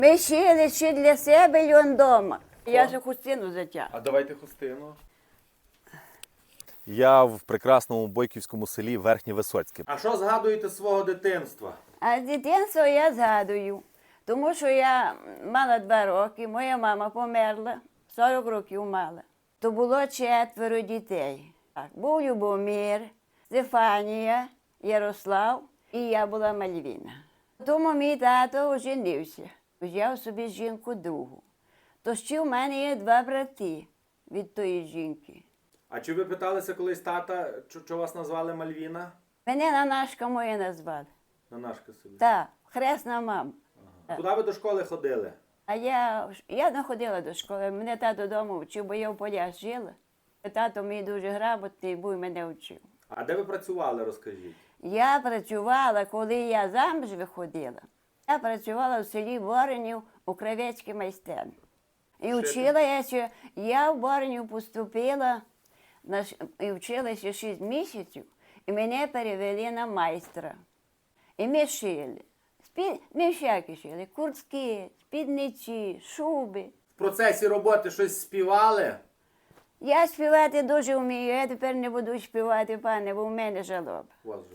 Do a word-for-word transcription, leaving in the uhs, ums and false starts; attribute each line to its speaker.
Speaker 1: Ми шили ще для себе й он дома. Я ж хустину затягну.
Speaker 2: А давайте хустину. Я в прекрасному бойківському селі Верхнє Висоцьке. А що згадуєте з свого дитинства?
Speaker 1: А з дитинства я згадую, тому що я мала два роки, моя мама померла, сорок років мала. То було четверо дітей. Так, був Любомир, Стефанія, Ярослав і я була Мальвіна. Тому мій тато оженився, взяв собі жінку другу. То ще в мене є два брати від тої жінки.
Speaker 2: А чи ви питалися колись тата, що вас назвали Мальвіна?
Speaker 1: Мене Нанашка моя назвали.
Speaker 2: На нашка собі.
Speaker 1: Так, хресна мама.
Speaker 2: Ага. Куди ви до школи ходили?
Speaker 1: А я, я не ходила до школи, мене тато вдома вчив, бо я в полях жила. Тато мій дуже грамотний був і мене вчив.
Speaker 2: А де ви працювали, розкажіть?
Speaker 1: Я працювала, коли я заміж виходила, я працювала в селі Боренів у кравецькій майстерні. І вчила я, що я в Боренів поступила, на, ш- і вчилася шість місяців, і мене перевели на майстра. І ми шили. Спі... Ми всякі шили, куртки, спідниці, шуби.
Speaker 2: В процесі роботи щось співали?
Speaker 1: Я співати дуже вмію, я тепер не буду співати, пане, бо в мене жалоба.
Speaker 2: У вас же.